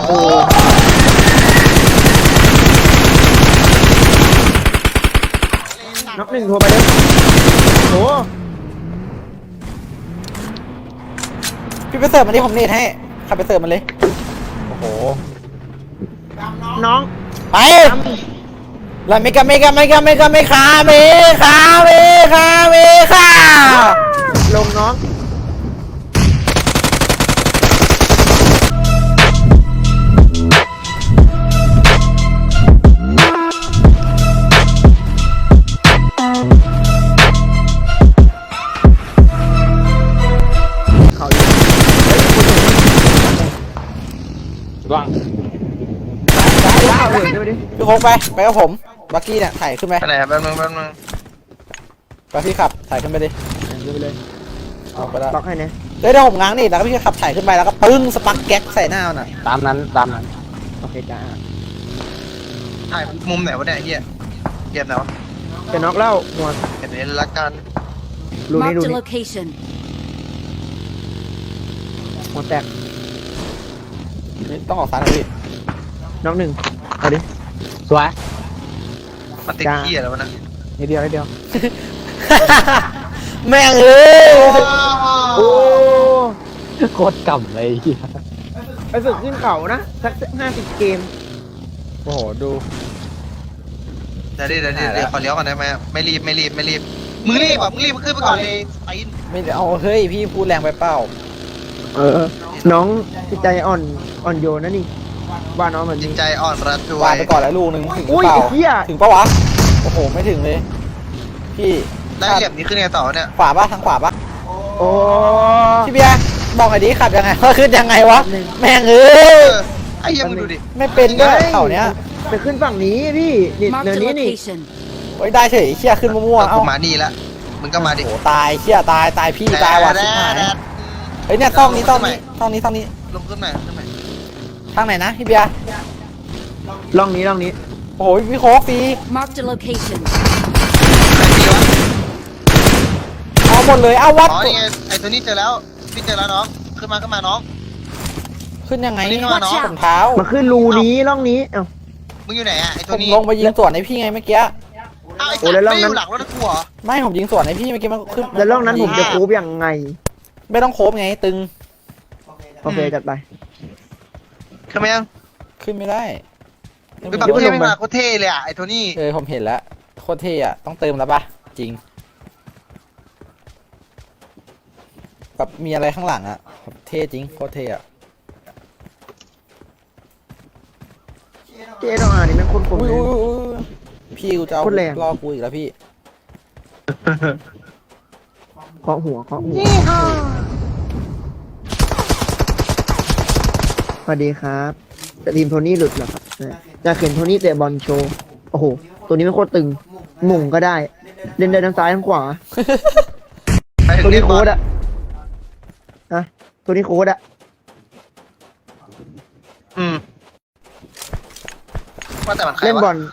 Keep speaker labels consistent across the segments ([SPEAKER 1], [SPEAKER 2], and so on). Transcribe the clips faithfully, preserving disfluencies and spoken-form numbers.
[SPEAKER 1] โอ้น็อกหนึ่งโทรไปเลยโอ้
[SPEAKER 2] พี่ไปเสิร์ฟมันที่ผมเนตให้ขับไปเสิร์ฟมันเลยโอ้โห
[SPEAKER 1] น้อง
[SPEAKER 2] ไปลาเมกาเมกาเมกาเมกาเมคาเมคาเมคาเมคา
[SPEAKER 1] ลงน้องเขาอยู่
[SPEAKER 3] ว่าง
[SPEAKER 1] ว้าวเลยไปดิ
[SPEAKER 2] พี่โคกไปไปกับผมบักกี้เนี่ยถ่ายขึ้นไป
[SPEAKER 4] ไปไหนแป๊บนึงแป๊บนึง
[SPEAKER 2] ไปพี่ขับถ่ายขึ้นไปดิ
[SPEAKER 1] ดูไปเลย
[SPEAKER 2] เอาไปแล้ว
[SPEAKER 1] ล็อกให้นะ
[SPEAKER 2] เดี๋ยวผมง้างนี่แล้วก็พี่ขับถ่ายขึ้นไปแล้วก็ปึ้งสปักแก๊กใส่หน้ามันอ่ะ
[SPEAKER 3] ตามนั้นตามนั้น
[SPEAKER 1] โอเคจ้า
[SPEAKER 4] ถ่ายมุมไหนวะเนี่ยเฮียเกมไหนวะ
[SPEAKER 1] จะน็อกแล้วหัว
[SPEAKER 4] เห็นเห็นละกัน
[SPEAKER 1] รูนี้
[SPEAKER 5] Marked
[SPEAKER 1] รู
[SPEAKER 5] a
[SPEAKER 1] นี้
[SPEAKER 5] location.
[SPEAKER 1] หัวแตก
[SPEAKER 2] นี่ต้องออกซ้ายนะพี่
[SPEAKER 1] น็อกหนึ่งเอาดิ
[SPEAKER 3] สวย
[SPEAKER 4] มันติดเฮียแล้ววะนะ
[SPEAKER 1] นิดเดียวนิดเดียว
[SPEAKER 2] แม่งเอ้ย
[SPEAKER 1] โอ้
[SPEAKER 3] โคตรกำเลยเหี้ย
[SPEAKER 1] ไปฝึกขึ้นเขานะสักห้าสิบเกม
[SPEAKER 2] โอ้โหดู
[SPEAKER 4] เดี๋ยวดิเดี๋ยวดิเดี๋ยวขอเลี้ยวก่อนได้ไหมไม่รีบไม่รีบไม่รีบมึงรีบอ่ะมึงรีบมึงขึ้นไปก่อนเลยไป
[SPEAKER 2] ไม่ได้เอาเฮ้ยพี่พูดแรงไปเปล่า
[SPEAKER 1] เออ น้องจิตใจอ่อนอ่อนโยนนะนี่ว่าน้องเหมือน
[SPEAKER 4] จิต
[SPEAKER 1] นี้
[SPEAKER 4] ใจอ่อนระทว
[SPEAKER 2] วาง
[SPEAKER 4] ย
[SPEAKER 2] ไปก่อนแล้วลูกหนึ่งถึงหรือ
[SPEAKER 1] อุ้ย
[SPEAKER 2] เปล่า
[SPEAKER 1] ไอ้เหี้ย
[SPEAKER 2] ถึงปะวะโอ้โหไม่ถึงเลย พี่
[SPEAKER 4] ได้เหลี่ยมนี้ขึ้นไงต่อเนี่ย
[SPEAKER 2] ขวาปะทางขวาปะ
[SPEAKER 1] โอ้
[SPEAKER 2] พี่เบียร์บอกหน่อยดิขับยังไงว่าขึ้นยังไงวะ
[SPEAKER 1] หนึ่ง
[SPEAKER 2] แม่งเอ้
[SPEAKER 4] เอย อไอ้เหี้ยมึงดูดิ
[SPEAKER 2] ไม่เป็นด้วยเขาเนี้ย
[SPEAKER 1] ไปขึ้นฝั่งนี้พี่นี่
[SPEAKER 5] Marked
[SPEAKER 1] เนิ
[SPEAKER 5] a
[SPEAKER 1] นนี้นี่
[SPEAKER 5] location.
[SPEAKER 2] โอ้ยได้เฉยเชี่ยขึ้นมั่วๆ
[SPEAKER 4] เอา
[SPEAKER 2] เอ้า
[SPEAKER 4] มานี่ละมึงก็มาดิ
[SPEAKER 2] โอ้โหตายเชี่ยตายตายพี่ตายว่ะชิบหายเฮ้ยเนี่ยต้องนี้ต้องนี้ต้องนี้ต้องนี้
[SPEAKER 4] ลงขึ้นมาขึ้นมา
[SPEAKER 2] ทางไหนนะพี่เบียร์
[SPEAKER 1] ล่องนี้ล่องนี้
[SPEAKER 2] โอ้โหพี่โค้กฟรี
[SPEAKER 5] Marked a location.
[SPEAKER 4] ไหนดีวะ
[SPEAKER 2] เอาหมดเลยเอาวัด
[SPEAKER 4] อ๋อนี่ไงไอ้ตัวนี้เจอแล้วพี่เจอแล้วน้องขึ้นมาขึ้นมาน้อง
[SPEAKER 2] ขึ้นยังไง
[SPEAKER 4] นี่เข้ามาเนอะ
[SPEAKER 2] ถุงเท้า
[SPEAKER 1] มาขึ้นรูนี้ล่องนี้เอ้า
[SPEAKER 4] มึงอยู่ไหนอ่ะไอ้
[SPEAKER 2] ผ
[SPEAKER 4] ตัว
[SPEAKER 2] ม
[SPEAKER 4] นี้
[SPEAKER 2] ลงไปยิงสวนให้พี่ไงเมื่อกี้
[SPEAKER 4] อ้าวไอ้
[SPEAKER 1] โอ้
[SPEAKER 4] สัตว์
[SPEAKER 1] แล้ว
[SPEAKER 4] ไม่
[SPEAKER 1] รอบนั้น
[SPEAKER 4] อยู่หลังรถนะกูเหรอ
[SPEAKER 2] ไม่ผมยิงสวนให้พี่เมื่อกี้มันขึ้น
[SPEAKER 1] แล้วล่องนั้นผมจะคูบยังไง
[SPEAKER 2] ไม่ต้องโคบไงตึง
[SPEAKER 1] โอเคจัดไป
[SPEAKER 4] ขึ้นมายัง
[SPEAKER 2] ขึ้นไม่ได้
[SPEAKER 4] ไปแบบเท่ไม่มาโคตรเท่เลยอ่ะไอ้ตัวนี้
[SPEAKER 2] เออผมเห็นแล้วโคตรเท่อะต้องเติมแล้วปะจริงแบบมีอะไรข้างหลังอะแบบเท่จริงโคตรเท่อะ
[SPEAKER 1] เจ๊ต้องอ่านนี่แม่งโคนคม
[SPEAKER 2] อุ้ย
[SPEAKER 1] เลย
[SPEAKER 2] อุ้ยอุ้ยพี่กูจะเอา
[SPEAKER 1] โคตรแรง
[SPEAKER 2] รอกูอีกแล้วพี่
[SPEAKER 1] เคาะหัวเคาะหัวสวัสดีครับแต่ทีมโทนี่หลุดเหรอครับอยากเห็นโทนี่เตะบอลโชว์โอ้โหตัวนี้มันโคตรตึงหม่งก็ได้ เล่นได้ทั้งซ้ายทั้งขวา
[SPEAKER 4] ไปถึง
[SPEAKER 1] ตัว
[SPEAKER 4] เรี
[SPEAKER 1] นี้
[SPEAKER 4] ยก
[SPEAKER 1] โค้
[SPEAKER 4] บอ
[SPEAKER 1] ด
[SPEAKER 4] ล
[SPEAKER 1] อะฮะตัวนี้โค้ดอะ
[SPEAKER 4] อืมว่าแต่มันใคร
[SPEAKER 1] เล่นบ
[SPEAKER 4] วะ
[SPEAKER 1] อล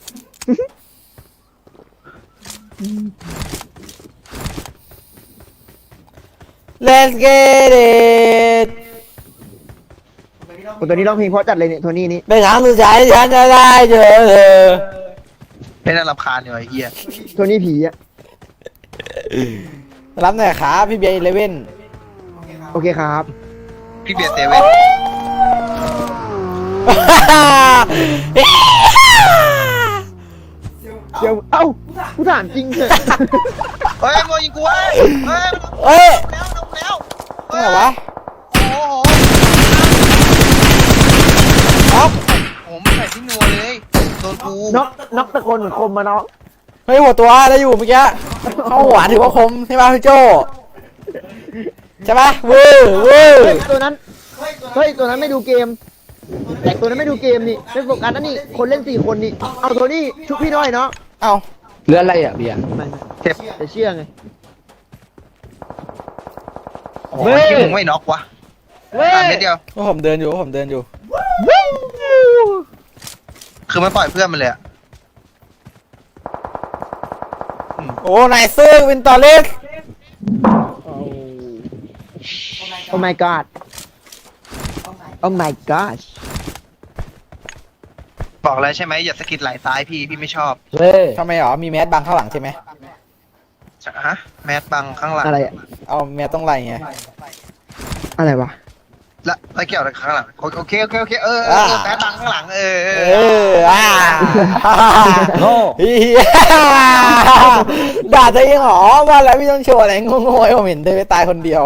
[SPEAKER 2] เลสเกตเดต
[SPEAKER 1] โอ้ตัวนี้ร้องเพลงเพราะจัดเลยเนี่ยโทนี่นี่
[SPEAKER 2] ในครั้งสุดท้ายฉันจะได้เจอเธอ
[SPEAKER 4] ไม่น่ารำคาญอยู่ไอ้เหี้ย
[SPEAKER 1] โทนี่ผีอะ
[SPEAKER 2] รับหน่อยครับพี่เบียร์อีเลเว่น
[SPEAKER 1] โอเคครับ
[SPEAKER 4] พี่เบียร์เซเว่น
[SPEAKER 1] เดี๋ยวเอ้ากูถามจริงเถอะ
[SPEAKER 4] เฮ้ยโมยิงกูเว้ยเฮ้ย
[SPEAKER 2] เอ้ย
[SPEAKER 4] แล้วลงแล้ว
[SPEAKER 2] ที่ไหนวะ
[SPEAKER 4] โอ้โห
[SPEAKER 2] น็อก
[SPEAKER 4] ผมใส่ที่นัวเลยโดนกู
[SPEAKER 1] น็อกน็อกตะโกนเหมือนคมมาน็อก
[SPEAKER 2] เฮ้ยหัวตัวได้อยู่เมื่อกี้เข้าหัวถือว่าคมใช่ป่ะพี่โจใช่ป่ะวื้อวื้อ
[SPEAKER 1] เฮ้ยตัวนั้นเฮ้ยตัวนั้นไม่ดูเกมแต่ตัวนั้นไม่ดูเกมนี่ไม่โฟกัสนะนี่คนเล่นสี่คนนี่เอาโทนี่ชุบพี่หน่อยเนาะ
[SPEAKER 2] เอ้า
[SPEAKER 3] เรืออะไรอ่ะเบียร์
[SPEAKER 1] ไม่ไม่
[SPEAKER 4] เจ็บ
[SPEAKER 1] จะเชื่อไง
[SPEAKER 4] โอ้โหที่มึงไม่น็อกวะตามเม็ดเดียว
[SPEAKER 2] ว่าผมเดินอยู่ว่าผมเดินอยู่
[SPEAKER 4] คือมันปล่อยเพื่อนมันเลยอะ
[SPEAKER 2] โอ้นายซื้อวินตอร์เลส
[SPEAKER 1] โอ้ my god โอ้ my gosh
[SPEAKER 4] บอกแล้วใช่ไหมอย่าสะกิดไหล่ซ้ายพี่พี่ไม่ชอบ
[SPEAKER 3] เฮ้ย
[SPEAKER 2] ทำไมหรอมีแมสบังข้างหลังใช่ไหม
[SPEAKER 4] ฮะแมสบังข้างหลัง
[SPEAKER 1] อะไรอะ
[SPEAKER 2] เอาแมสต้องไล่ไง
[SPEAKER 1] อะไรวะ
[SPEAKER 4] แล้วแล้วเกี่ยวอะไรข้างหลังโอเคโอเคโอเคเออเออเออแมสบังข้างหลังเออเอ
[SPEAKER 2] เอ
[SPEAKER 4] อ
[SPEAKER 2] ออ่า
[SPEAKER 3] โง่
[SPEAKER 2] เฮียด่าตัวเองเหรอว่าแล้วพี่ต้องโชว์อะไรโง่ๆให้ผมเห็นเธอไปตายคนเดียว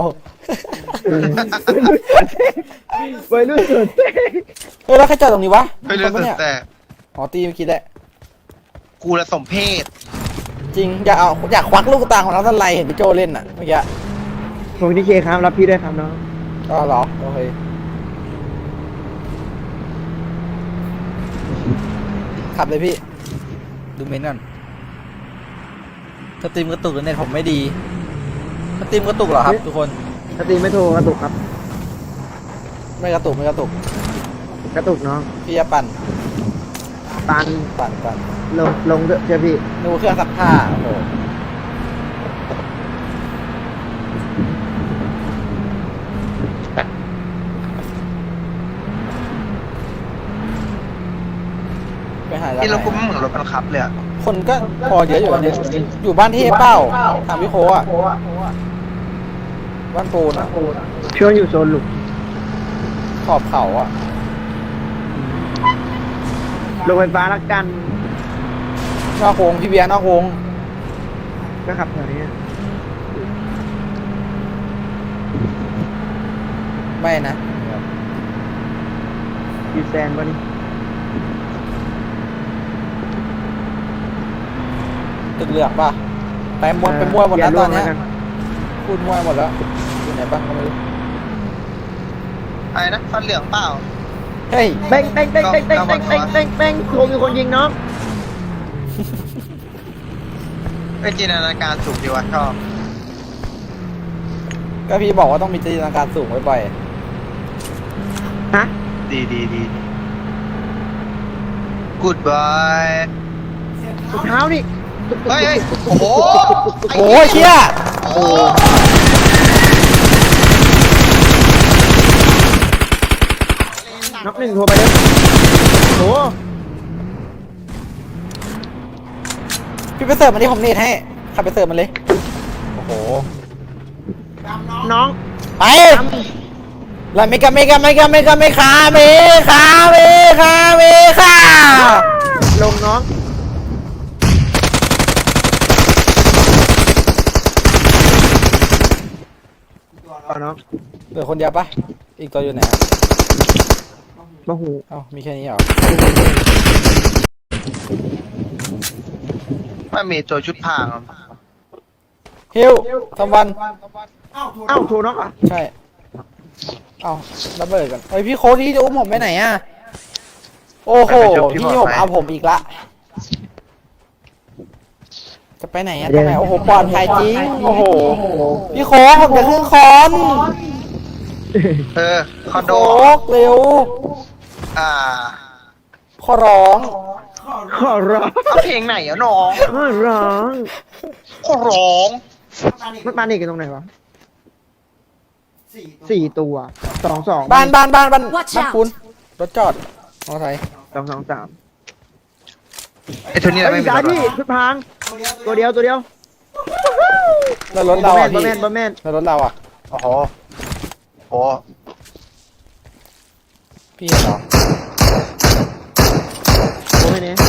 [SPEAKER 1] วัยรุ่นสุดเต้
[SPEAKER 2] เฮ้ยแล้วใครจอดตรงนี้วะ
[SPEAKER 4] ไม่รู้
[SPEAKER 2] คนปะ
[SPEAKER 4] สึก
[SPEAKER 2] เนี่ย
[SPEAKER 4] แต่
[SPEAKER 2] อ๋อตีเมื่อกี้แหละ
[SPEAKER 4] กูละสมเพศ
[SPEAKER 2] จริงอยากเอาอยากควักลูกตาของน้องสไลด์เห็นพี่โจเล่นอ่ะเมื่อกี้
[SPEAKER 1] ผมดีเคครับรับพี่ด้วยครับน้อง
[SPEAKER 2] อ๋อเหรอโอเคขับเลยพี่ดูเมนก่อนสตรีมกระตุกหรือเน็ตผมไม่ดีสตรีมกระตุกเหรอครับทุกคน
[SPEAKER 1] สตรีมไม่โทรกระตุกครับ
[SPEAKER 2] ไม่กระตุกไม่กระตุก
[SPEAKER 1] กระตุกน้อง
[SPEAKER 2] พี่จะปั่น
[SPEAKER 1] ตัน
[SPEAKER 2] ปั่นปั่น
[SPEAKER 1] ลงลงเถอะเชื่อพี่
[SPEAKER 2] ดูเครื่องซักผ้าโอ้โหไปหาร้าน
[SPEAKER 4] นี่
[SPEAKER 2] ไห
[SPEAKER 4] เรากู
[SPEAKER 2] น
[SPEAKER 4] ไม่เหมือนรถบังคับเลยอะ
[SPEAKER 2] คนก็พอเยอะอยู่นะเนี่ยอยู่บ้านเทพเป้าถามพี่โคอ่ะบ้านปูนอ่ะ
[SPEAKER 1] ช่วงอยู่โซนหลุก
[SPEAKER 2] ขอบเขาอ่ะ
[SPEAKER 1] ลงไฟฟ้าละกัน
[SPEAKER 2] นอกวงพี่เบียร์นอกวง
[SPEAKER 1] ก็ขับแถวนี้
[SPEAKER 2] ไม่นะ
[SPEAKER 1] อยู่แซนวะนี่
[SPEAKER 2] ตึกเหลืองป่ะไปมวนไปมวยหมดแล้วตอนเนี้ย
[SPEAKER 1] ย่าร่วง
[SPEAKER 2] พูดมวยหมดแล้วอยู่ไหนบ้างก็ไม่รู้
[SPEAKER 4] อะไรนะฟันเหลืองเปล่า
[SPEAKER 2] เฮ้ย
[SPEAKER 1] เต้งเต้งเต้งเต้งเต้งเต้งเต้งเต้งเต้งโคมีคนยิงน้อง
[SPEAKER 4] เป็นจินตนาการสูงดีวะชอบ
[SPEAKER 2] ก็พี่บอกว่าต้องมีจินตนาการสูงไว้บ่อย
[SPEAKER 1] ฮะ
[SPEAKER 4] ดีดีดี Goodbye
[SPEAKER 1] ถุงเท้านี่
[SPEAKER 4] เฮ้ยเฮ้ยโอ้โห
[SPEAKER 2] โอ้ยเชี่ย
[SPEAKER 4] โอ้โห
[SPEAKER 1] นับหนึ่งโทรไปเลยโอ้
[SPEAKER 2] พี่ไปเสิร์ฟมันที่ผมเนตให้ขับไปเสิร์ฟมันเลย โอ้โห
[SPEAKER 1] น้อง
[SPEAKER 2] ไปลาเมกาเมกาเมกาเมกาเมคาเมคาเมคาเมคา
[SPEAKER 1] ลงน้องต่อน้อง
[SPEAKER 2] เหลือคนเดียวปะอีกตัวอยู่ไหนอะ
[SPEAKER 1] มาหู
[SPEAKER 2] เอ้ามีแค่นี้เหรอ
[SPEAKER 4] มันมีตัวชุดพราง
[SPEAKER 2] ฮิวทำวัน
[SPEAKER 1] เอ้าโทรน้องอ่ะ
[SPEAKER 2] ใช่ เอ้าระเบิดกันเฮ้ยพี่โค้ดที่จะอุ้มผมไปไหนอะโอ้โหพี่ผมเอาผมอีกละ จะไปไหนอะทำไมโอ้โหปลอดภัยจริง โอ้โห พี่โค้ดผมจะขึ้นคอน
[SPEAKER 4] เออคอนโด
[SPEAKER 2] โค้ดเร็ว
[SPEAKER 4] อ่า
[SPEAKER 2] ขอร้อง
[SPEAKER 1] ขอร้อง
[SPEAKER 4] เอาเพลงไหนอะน้อง
[SPEAKER 1] ขอร้อง
[SPEAKER 4] ขอร้อง
[SPEAKER 1] มันปานิกกันตรงไหนวะสี่ตัวสองสอง
[SPEAKER 2] บ้านบ้านบ้านบ้าน
[SPEAKER 5] Watch
[SPEAKER 2] บ้าน
[SPEAKER 5] out
[SPEAKER 2] คุณรถจอดมอเตอร์ไซค์
[SPEAKER 1] สองสองสาม
[SPEAKER 4] ไอ้ตัวนี้เรา
[SPEAKER 1] เฮ้ย
[SPEAKER 4] ไม่มี
[SPEAKER 1] สาย
[SPEAKER 4] รถ
[SPEAKER 1] พี่ชุดพรางตัวเดียวตัวเดียว
[SPEAKER 2] แล้วรถเราอ่ะ
[SPEAKER 1] บอ
[SPEAKER 2] พี่
[SPEAKER 1] แมนบอแมน
[SPEAKER 2] แล้วรถเราอ่ะ
[SPEAKER 4] โอ้โหโอ้
[SPEAKER 2] พี่เห็นเหรอ
[SPEAKER 1] บอแมนเนี่ย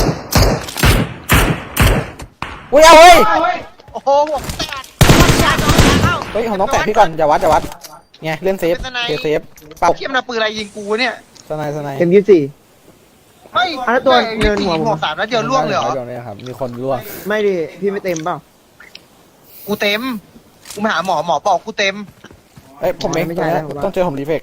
[SPEAKER 2] อุ้ยเอาเฮ้ย
[SPEAKER 4] โอ้โหหัวแตก
[SPEAKER 2] เฮ้ยผมต้องแตะพี่ก่อนอย่าวัดอย่าวัดไงเล่นเซฟ
[SPEAKER 4] เป็นสไนป์
[SPEAKER 2] เซฟเซฟเป่า
[SPEAKER 4] เทียมนาปืนอะไรยิงกูเนี่ย
[SPEAKER 2] สไนด์สไนด์
[SPEAKER 1] เอ็มยี่สี่
[SPEAKER 4] เฮ้ย
[SPEAKER 1] อ่ะแล้วตัวเนินหัวผม
[SPEAKER 4] หัวสามแล้วเดียวล่วงเลยเหรอ
[SPEAKER 2] ล่วงเลยครับมีคนล่วง
[SPEAKER 1] ไม่ดิพี่ไม่เต็มเปล่า
[SPEAKER 4] กูเต็ม กูมาหาหมอหมอบอกกูเต็ม
[SPEAKER 2] เอ้ยผมเอง
[SPEAKER 1] ไม่ใช่
[SPEAKER 2] ตรง
[SPEAKER 1] แล้
[SPEAKER 2] เนี้
[SPEAKER 1] วย ผมว่า
[SPEAKER 2] ต้องเจอผมรีเฟก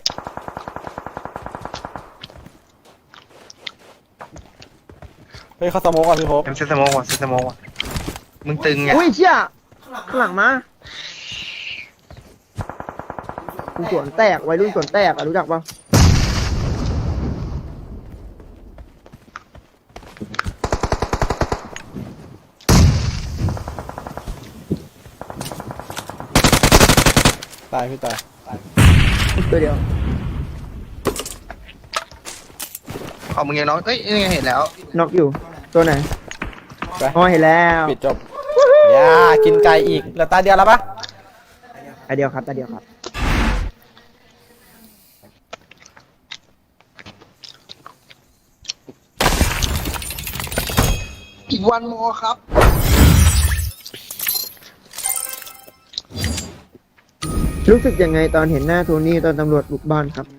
[SPEAKER 2] เฮ้ยเขาสโมกอ่ะพี่โฮป
[SPEAKER 4] เอ็มเซนสโมองว่ะเซนสโมองว่ะมึงตึงไง
[SPEAKER 1] อุ้ยเชี่ยข้างหลังมากูสวนแตกวัยรุ่นสวนแตกอ่ะรู้จักป่ะ
[SPEAKER 2] ตายพี่ตาย
[SPEAKER 1] ตัวเดียว
[SPEAKER 4] เอามึงยังน้องเอ้ยยังไงเห็นแล้ว
[SPEAKER 1] น็อกอยู่ ตัวไหน
[SPEAKER 2] ไป
[SPEAKER 1] อ๋อเห็นแล้ว
[SPEAKER 2] ปิดจบอย่ากินไก่อีกเหลือตาเดียวแล้วปะ
[SPEAKER 1] ตาเดียวครับตาเดียวครับ
[SPEAKER 4] อีกวันโมครับ
[SPEAKER 1] รู้สึกยังไงตอนเห็นหน้าโทนี่ตอนตำรวจบุกบ้านครับ